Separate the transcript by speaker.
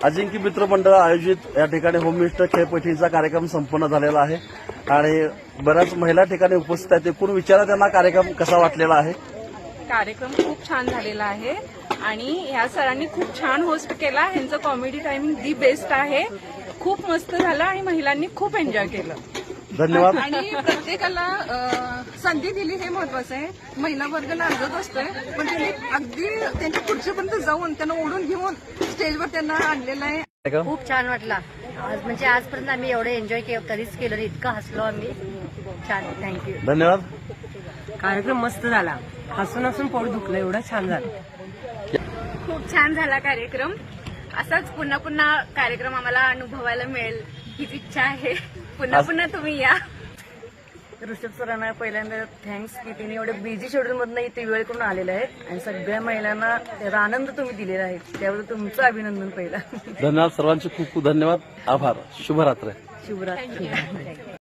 Speaker 1: अजिंक्य मित्र मंडळ आयोजित या ठिकाणी होममिनिस्टर खेळपट्टीचा कार्यक्रम संपन्न झालेला आहे आणि बऱ्याच महिला ठिकाणी उपस्थित आहेत. एकूण विचारा त्यांना कार्यक्रम कसा वाटलेला आहे.
Speaker 2: कार्यक्रम खूप छान झालेला आहे आणि ह्या सरांनी खूप छान होस्ट केला. ह्यांचं कॉमेडी टायमिंग दी बेस्ट आहे. खूप मस्त झालं आणि महिलांनी खूप एन्जॉय केलं.
Speaker 1: धन्यवाद.
Speaker 3: आणि प्रत्येकाला संधी दिली हे महत्वाचं आहे. महिला वर्ग लाजत असतोय पण त्यांनी अगदी त्यांच्या खुर्चीपर्यंत जाऊन त्यांना ओढून घेऊन स्टेजवर त्यांना आणलेलं आहे.
Speaker 4: खूप छान वाटला आज. म्हणजे आजपर्यंत आम्ही एवढं एन्जॉय कधीच केलं नाही. इतकं हसलो आम्ही. छान. थँक्यू.
Speaker 1: धन्यवाद.
Speaker 5: कार्यक्रम मस्त झाला. हसून हसून पोट दुखलं. एवढं छान झालं.
Speaker 2: खूप छान झाला कार्यक्रम. असाच पुन्हा पुन्हा कार्यक्रम आम्हाला अनुभवायला मिळेल हीच इच्छा आहे. पुन्हा पुन्हा तुम्ही या.
Speaker 4: ऋषभ सरांना पहिल्यांदा थँक्स की तिने एवढे बिझी शेड्यूल मधनं इथे वेळ करून आलेले आहेत आणि सगळ्या महिलांना त्याचा आनंद तुम्ही दिलेला आहे. त्याबद्दल तुमचं अभिनंदन पहिला.
Speaker 1: धन्यवाद. सर्वांचे खूप खूप धन्यवाद. आभार. शुभरात्र.
Speaker 4: शुभरात्री.